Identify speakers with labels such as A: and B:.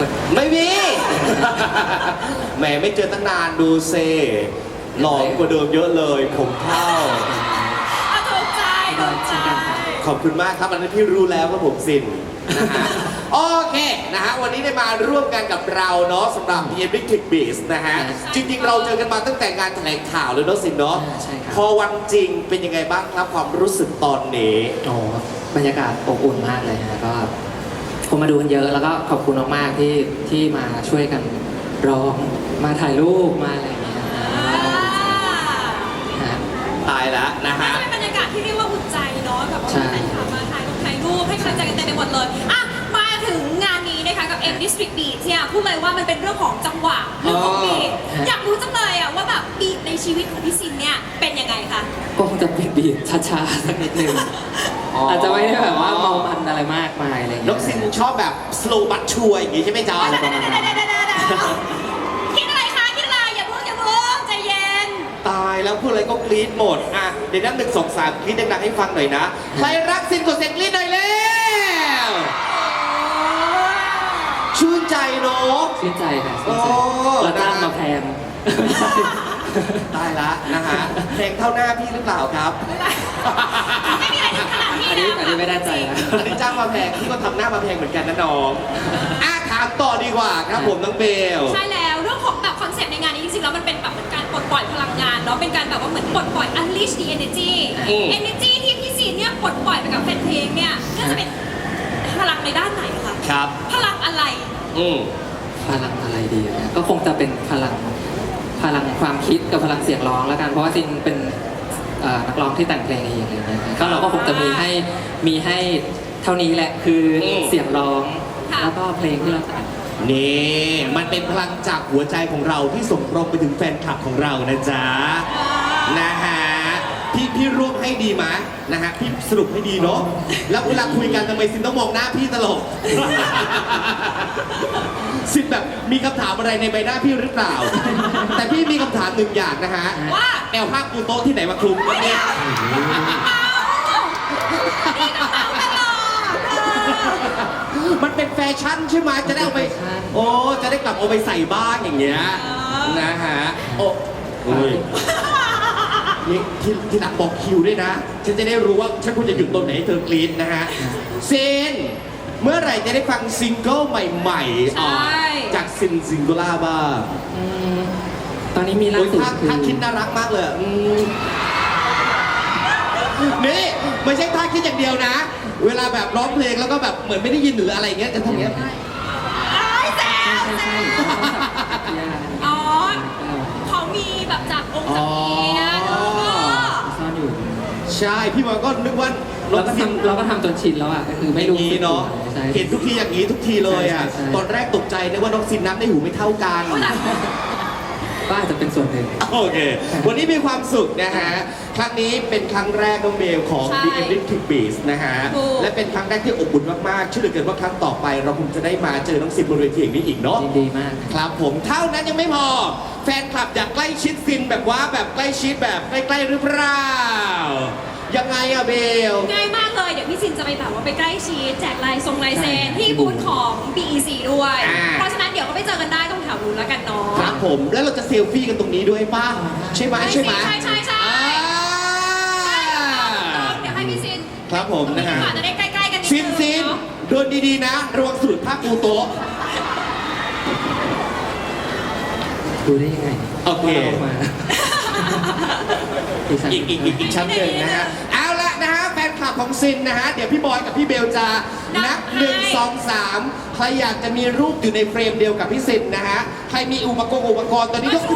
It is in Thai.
A: ไม่มี แหมไม่เจอตั้งนานดูเซหล่อกว่าเดิมเยอะเลยผมเท่า
B: ถูกใจถูกใจ
A: ขอบคุณมากครับอันนั้นพี่รู้แล้วว่าผมสินนะฮะ โอเคนะฮะวันนี้ได้มาร่วมกันกับเราเนาะสำหรับ The Electric Beats นะฮะจริงๆเราเจอกันมาตั้งแต่งานแถลงข่าวเลยเนาะสินเนาะ
C: ใช่ครับ
A: พอวันจริงเป็นยังไงบ้างครับความรู้สึกตอนนี้
C: โอ้บรรยากาศอบอุ่นมากเลยฮะก็คนมาดูกันเยอะแล้วก็ขอบคุณมากๆที่มาช่วยกันร้องมาถ่ายรูปมาอะไรอย่างเงี้ยฮะ
A: ตายแล้วนะฮะ
B: เป็นบรรยากาศที่เรียกว่าอุ่นใจเนาะแบบว่า
C: ใช่
B: แฟนคลับมาถ่ายรูปให้กำลังใจกันเต็มไปหมดเลยอ่ะมาถึงงานนี้นะคะกับ M District Beat เนี่ยพูดเลยว่ามันเป็นเรื่องของจังหวะเรื่องของบีทอยากรู้จังเลยอ่ะว่าแบบบีทในชีวิตของพี่ซินเนี่ยเป็นยังไงคะ
C: ก็คงจะเป็นบีทช้าๆสักนิดนึงอาจจะไม่ได้แบบว่าเมามันอะไรมากมายอะไรอย่าง
A: น้
C: เงี้
A: อย งซินชอบแบบ slow but sure อย่างงี้ใช่ไหมจ๊ะ
C: อะไรประมาณนั้น
B: คิดอะไรคะคิดอะไรอย่าเพิ่งใจเย็น
A: ตายแล้วพูดอะไรก็กรี๊ดหมดอ่ะเดี๋ยวนับ1 2 3กรี๊ดดังๆให้ฟังหน่อยนะใครรักซินกดเสียงกรี๊ดหน่อยแล้วชื่นใจเนาะ
C: ชื่นใจค่ะชื่นใจ
A: โอ้
C: เราจ้างมาแพง
A: ตายละนะฮะเพลงเท่าหน้าพี่หรือเปล่าครับ
B: ไม่มีอะไรถึงขนาดนี้
C: อัน
B: นะ
C: นี้ไม่ได้ใจนะ
A: อันนี้จ้างมาแพงพี่ก็ทำหน้ามาแพงเหมือนกันนะน้องถามต่อดีกว่าครับผมน้องเบล
B: ใช่แล้วเรื่องของแบบคอนเซ็ปต์ในงานนี้จริงๆแล้วมันเป็นแบบเหมือนการปลดปล่อยพลังงานเนาะเป็นการแบบว่าเหมือนปลดปล่อย unleash the energy energy ที่พี่ซีเนี่ยปลดปล่อยไปกับแฟนเพลงเนี่ยน่าจะเป็นพลังในด้านไหนคะ
A: ครับ
B: พลังอะไร
C: พลังอะไรดีนะก็คงจะเป็นพลังความคิดกับพลังเสียงร้องแล้วกันเพราะว่าจริงเป็นนักร้องที่แต่งเพลงเองอะไรอย่างเงี้ยก็เราก็คงจะมีให้เท่านี้แหละคือเสียงร้อง
B: ค่ะ
C: แล้วก็เพลงที่เราแต่ง
A: นี่มันเป็นพลังจากหัวใจของเราที่ส่งตรงไปถึงแฟนคลับของเรานะจ๊ะนะฮะพี่ร่วมให้ดีไหมนะฮะพี่สรุปให้ดีเนาะแล้วเวลาคุยกันทำไมซินต้องมองหน้าพี่ตลอด ซินแบบมีคำถามอะไรในใบหน้าพี่หรือเปล่า แต่พี่มีคำถามหนึ่งอย่างนะฮะ
B: ว่า
A: แนวผ้าปูโต๊ะที่ไหนมาคลุมวะเนี่ย มันเป็นแฟชั่นใช่ไหมจะได้เอาไป โอ้จะได้กลับเอาไปใส่บ้างอย่างเงี้ยนะฮะโอ้ยนี่ที่หลังบอกคิวด้วยนะ ฉันจะได้รู้ว่าฉันควรจะหยุดตรงไหนให้เธอกรี๊ดนะฮะเซนเมื่อไหร่จะได้ฟังซิงเกิลใหม่ๆออกจากซิงโกล่าบ้าง
C: ตอนนี้มีล่า
A: โอ้ย
C: สุด
A: ท่าคิดน่ารักมากเลยนี่ไม่ใช่ท่าคิดอย่างเดียวนะ เวลาแบบร้องเพลงแล้วก็แบบเหมือนไม่ได้ยินหรืออะไรเงี้ยจะทำอย่างเงี้ย
B: ไอ้แซว
C: ใช่
B: แซ
C: ใช่
B: ว อ๋อเขามีแบบจากองค์จากนี้นะเนอะ
C: ซ่อนอยู่
A: ใช่พี่บอยก็นึกว่า
C: เราก็ทำจนชินแล้วอ่ะก็คือไม่รู้
A: อย่างนี้เนาะ
C: ใช่
A: เห็นทุกทีอย่างนี้ทุกทีเลยอ่ะ
C: ใช่
A: ตอนแรกตกใจนึกว่าน้องซินน้ำในหูไม่เท่ากัน
C: ก็อาจจะเป็นส่วนหนึ่ง
A: โอเค วันนี้มีความสุขนะฮะ ครั้งนี้เป็นครั้งแรกน้องเบลของ
B: ใช่
A: The Electric Beats นะฮะ
B: ถูก
A: และเป็นครั้งแรกที่อบอุ่นมากๆเชื่อเหลือเกินว่าครั้งต่อไปเราคงจะได้มาเจอน้องซินบนเวทีอย่างนี้อีกเนาะ
C: ยินดีมาก
A: ครับผมเท่านั้นยังไม่พอ แฟนคลับอยากใกล้ชิดซินแบบว่าแบบใกล้ชิดแบบใกล้ๆหรือเปล่า ยังไงอะเบล
B: ง่ายมากเลย เดี๋ยวพี่ซินจะไปแบบว่าไปใกล้ชิดแจกลายเซ็นที่บูธของ BEC ด้วย
A: อ่า
B: เพราะฉะนั้นเดี๋ยวก็ไปเจอกันได้ตรงแถวนู้นแล้วกันเนาะ
A: ครับผมแล้วเราจะเซลฟี่กันตรงนี้ด้วยป่ะใช่ไหมใช่ไหม
B: ใช่ใช่ใช่
A: อ่า
B: เดี๋ยวให้พี่ซิน
A: ครับผมนะฮะ
B: อาจจะได้ใกล้ๆกันนิด
A: ซิน
B: นึง
A: ซิน
B: เนาะ
A: เดินดีๆนะระวังสะดุดผ้าปูโต๊ะ
C: ดูได้ยังไง
A: โอเค
C: ว่ารามา
A: อีกชั้นหนึ่งนะฮะเอาละนะฮะแฟนคลับของซินนะฮะเดี๋ยวพี่บอยกับพี่เบลจะนับ1 2 3ใครอยากจะมีรูปอยู่ในเฟรมเดียวกับพี่ซินนะฮะใครมีอุปกรณ์ตอนนี้ยก